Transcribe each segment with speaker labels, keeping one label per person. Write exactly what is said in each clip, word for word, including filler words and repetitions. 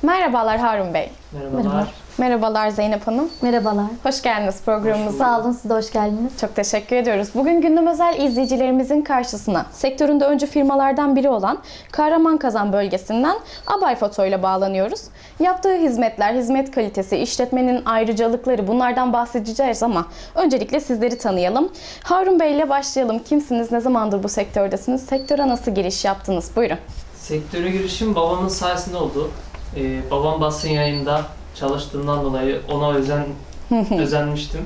Speaker 1: Merhabalar Harun Bey.
Speaker 2: Merhabalar.
Speaker 3: Merhaba.
Speaker 1: Merhabalar Zeynep Hanım.
Speaker 3: Merhabalar.
Speaker 1: Hoş geldiniz programımıza.
Speaker 3: Sağ olun, siz de hoş geldiniz.
Speaker 1: Çok teşekkür ediyoruz. Bugün Gündem Özel izleyicilerimizin karşısına sektöründe öncü firmalardan biri olan Kahramanmaraş bölgesinden Abay Foto ile bağlanıyoruz. Yaptığı hizmetler, hizmet kalitesi, işletmenin ayrıcalıkları, bunlardan bahsedeceğiz ama öncelikle sizleri tanıyalım. Harun Bey ile başlayalım. Kimsiniz, ne zamandır bu sektördesiniz, sektöre nasıl giriş yaptınız? Buyurun.
Speaker 2: Sektöre girişim babamın sayesinde oldu. Ee, babam basın yayında çalıştığından dolayı ona özen özenmiştim.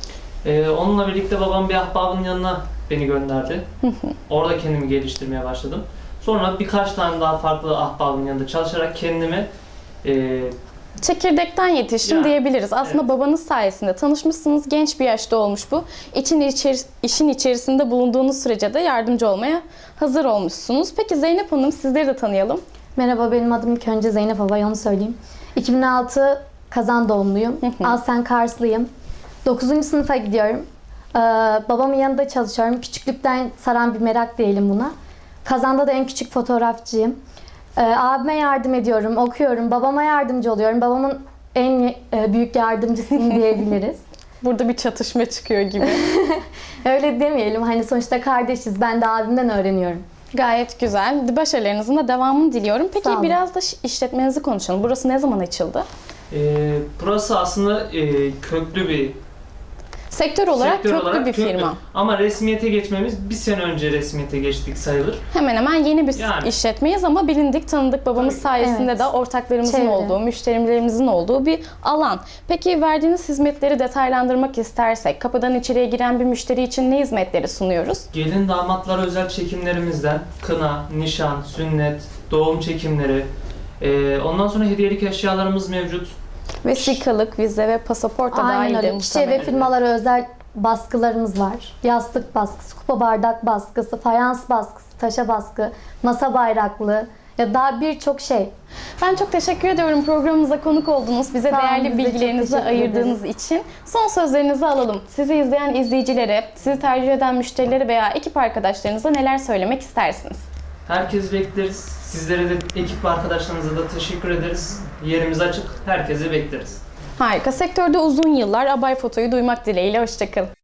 Speaker 2: Ee, onunla birlikte babam bir ahbabının yanına beni gönderdi. Orada kendimi geliştirmeye başladım. Sonra birkaç tane daha farklı ahbabın yanında çalışarak kendimi e,
Speaker 1: Çekirdekten yetiştim
Speaker 2: Yani,
Speaker 1: diyebiliriz. Aslında
Speaker 2: evet.
Speaker 1: babanız sayesinde tanışmışsınız. Genç bir yaşta olmuş bu. İçin içeri, işin içerisinde bulunduğunuz sürece de yardımcı olmaya hazır olmuşsunuz. Peki Zeynep Hanım, sizleri de tanıyalım.
Speaker 3: Merhaba, benim adım ilk önce Zeynep Abay, onu söyleyeyim. iki bin altı Kazan doğumluyum. Aslen Karslıyım. dokuzuncu sınıfa gidiyorum. Ee, babamın yanında çalışıyorum. Küçüklükten saran bir merak diyelim buna. Kazan'da da en küçük fotoğrafçıyım. Ee, abime yardım ediyorum, okuyorum. Babama yardımcı oluyorum. Babamın en e, büyük yardımcısıyım diyebiliriz.
Speaker 1: Burada bir çatışma çıkıyor gibi.
Speaker 3: Öyle demeyelim. Hani sonuçta kardeşiz. Ben de abimden öğreniyorum.
Speaker 1: Gayet güzel. Başarılarınızın da devamını diliyorum. Peki
Speaker 3: Sağ olun.
Speaker 1: biraz da işletmenizi konuşalım. Burası ne zaman açıldı?
Speaker 2: e, burası aslında e, köklü bir
Speaker 1: Sektör olarak
Speaker 2: sektör
Speaker 1: köklü
Speaker 2: olarak
Speaker 1: bir
Speaker 2: köklü.
Speaker 1: firma.
Speaker 2: Ama resmiyete geçmemiz bir sene önce resmiyete geçtik sayılır.
Speaker 1: Hemen hemen yeni bir
Speaker 2: Yani.
Speaker 1: işletmeyiz ama bilindik, tanıdık, babamız
Speaker 2: Tabii.
Speaker 1: sayesinde
Speaker 3: Evet.
Speaker 1: de ortaklarımızın
Speaker 3: Çevre.
Speaker 1: olduğu, müşterilerimizin olduğu bir alan. Peki verdiğiniz hizmetleri detaylandırmak istersek, kapıdan içeriye giren bir müşteri için ne hizmetleri sunuyoruz?
Speaker 2: Gelin damatlara özel çekimlerimizden kına, nişan, sünnet, doğum çekimleri, e, ondan sonra hediyelik eşyalarımız mevcut.
Speaker 1: Vesikalık, vize ve pasaport da
Speaker 3: Aynen
Speaker 1: dahil
Speaker 3: öyle. Kişiye ve firmalara özel baskılarımız var. Yastık baskısı, kupa bardak baskısı, fayans baskısı, taşa baskı, masa bayraklı ya daha birçok şey.
Speaker 1: Ben çok teşekkür ediyorum programımıza konuk oldunuz. Bize
Speaker 3: Sağ olun,
Speaker 1: değerli
Speaker 3: biz de çok
Speaker 1: bilgilerinizi
Speaker 3: teşekkür
Speaker 1: ayırdığınız için. Son sözlerinizi alalım. Sizi izleyen izleyicilere, sizi tercih eden müşterilere veya ekip arkadaşlarınıza neler söylemek istersiniz?
Speaker 2: Herkes bekleriz. Sizlere de ekip arkadaşlarınıza da teşekkür ederiz. Yerimiz açık. Herkesi bekleriz.
Speaker 1: Harika. Sektörde uzun yıllar Abay Foto'yu duymak dileğiyle. Hoşça kalın.